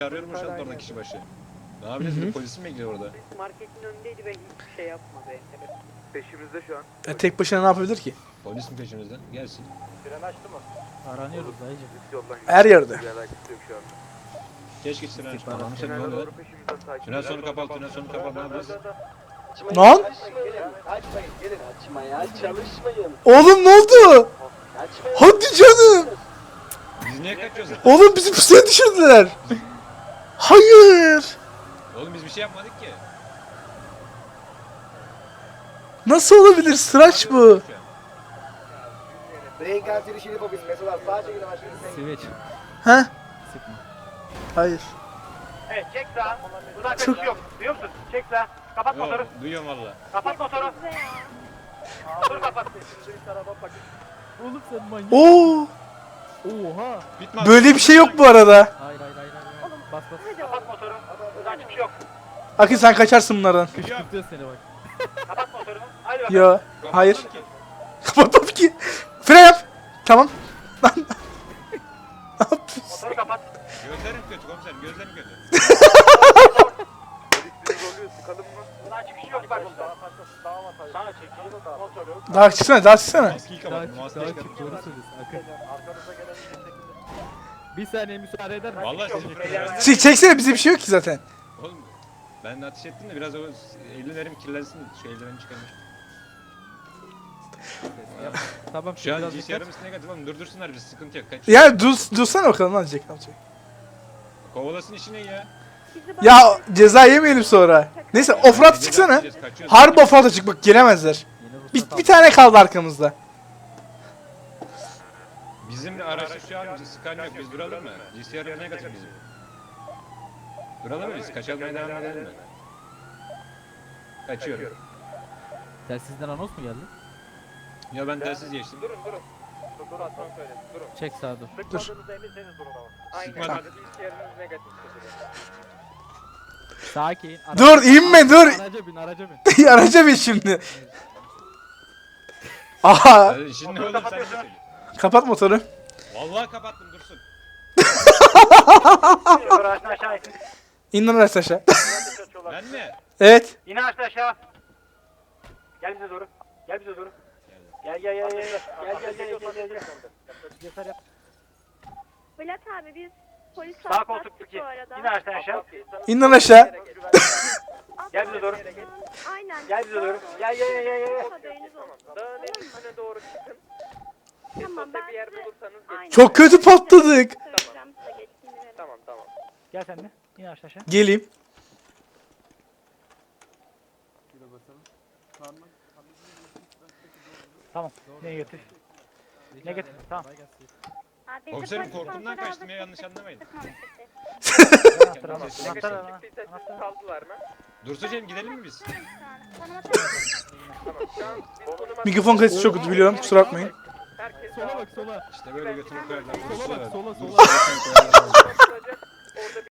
Arıyorum şu an orada kişi başı. Ne yapacağız? Bir polisim bekliyor orada. Marketin önündeydi ve hiçbir şey yapmadı. Peşimizde şu an. Tek başına ne yapabilir ki? Polis mi peşimizden? Gelsin. Fren açtı mı? Aranıyoruz dayıcım. Üst yoldan Her yerde. Bir alakası yok şu anda. Keşke tünel açtı. İstihbarat. Anlamışım ne Tünele oluyor? doğru peşimizden takip Tünel ediyor. sonu kapalı, tünel sonu kapalı. Ne yapacağız? Lan! Açmayın gelin açmaya çalışmayın. Oğlum ne oldu? Açmayın. Hadi canım. Biz niye kaçıyoruz? Oğlum bizi pusuya düşürdüler. Hayır. Oğlum biz bir şey yapmadık ki. Nasıl olabilir? Sıraç bu. Break antiri şerif ofis mesela sağa çekin başlayın. Switch. He? Sıkma. Hayır. Evet çek sağa. Buradan kaçış yok. Duyuyor musun? Çek sağa. Kapat motoru. Yok, duyuyorum valla. Kapat motoru. Motoru kapat. Oğlum sen manyak. Oo. Oha. Bitmez. Böyle bir şey yok bu arada. Hayır hayır hayır. hayır. Bas bas. Kapat motoru. Buradan çıkış yok. Akın sen kaçarsın bunlardan. Kışkırtıyor seni bak. Kapat motoru. Hadi bakalım. Yo. Hayır. Kapatmam ki. Fren yap. Tamam. Lan. Ne yapıyorsun? Motoru kapat. Gözlerim kötü komiserim, gözlerim kötü. Polis bizi zorluyor sıkalım mı? Buradan çıkış yok bak. Sana çekil. Motoru. Daha çıksana, daha çıksana. Maskeyi Daha kapat, çık maskeyi daha kapat. çık. Doğru söylüyorsun. Akın. Bir saniye müsaade eder misin? Vallahi sizi Beyler- Çeksene bize bir şey yok ki zaten. Oğlum ben de ateş ettim de biraz o ellerim kirlensin, şu eldivenimi çıkarmış. Tamam Şu şimdi an biraz GCR'ımız negatif oğlum, durdursunlar bizi, sıkıntı yok. Kaç. Ya dursana bakalım lan Jack alacak. Kovalasın işine ya. Ya ceza yemeyelim sonra. Neyse offroad çıksana. Harbi offroad'a çık bak gelemezler. Bir tane kaldı arkamızda. Bizim araçta şu an sıkan yok, biz duralım mı? GCR negatif bizim. Duralım mı biz? Kaçalmaya devam edelim mi? Kaçıyorum. Telsizden anons mu geldi? Ya ben telsiz geçtim. Durun. Dur atmam söyle. Durun. Çek sağa dur. Sıkmadığınızda eminseniz durun ama. Aynen. Sıkmadan. Bilgisayarınız negatif çıkıyor. Sakin. Dur inme dur. Araca bin araca bin. Araca bin şimdi. Aha Şimdi ne olur sen de söyle. kapat motoru. Vallahi kapattım, dursun. Şoför ağaçtan aşağı in. İn lan aşağı. Ben mi? Evet. İn ağaçtan aşağı. Gel bize doğru. Gel bize doğru. Gel. Gel. Yeter yap. Bülent abi biz polis Sağ koltuk atlattık iki. bu arada. İn ağaçtan aşağı. İn lan aşağı. Gel bize doğru. Aynen. Gel bize doğru. Gel. Haberiniz olsun. Dağın en üstüne doğru çıkın. Tamam ben Bir yer size... bulursanız Aynen. Çok kötü patladık. Söyleyeceğim size geçtiğini verin. Tamam. Gel sen de. İn ağaçtan aşağı. Geleyim. Tamam. Negatif. Negatif. Tamam. Abi, biz de Komiserim polis korkumdan kontrolü kaçtım ya, aldık, yanlış anlamayın. Anahtar al. Negatif Anahtar al. Çıktıysa siz kaldılar mı? Dursucum gidelim mi biz? Konuma Tamam. Şu an biz konuma... Mikrofon kalitesi çok kötü biliyorum kusura bakmayın. Herkes Sola bak sola. İşte böyle götünü koyarlar. Sola bak sola sola. Dursun. Orada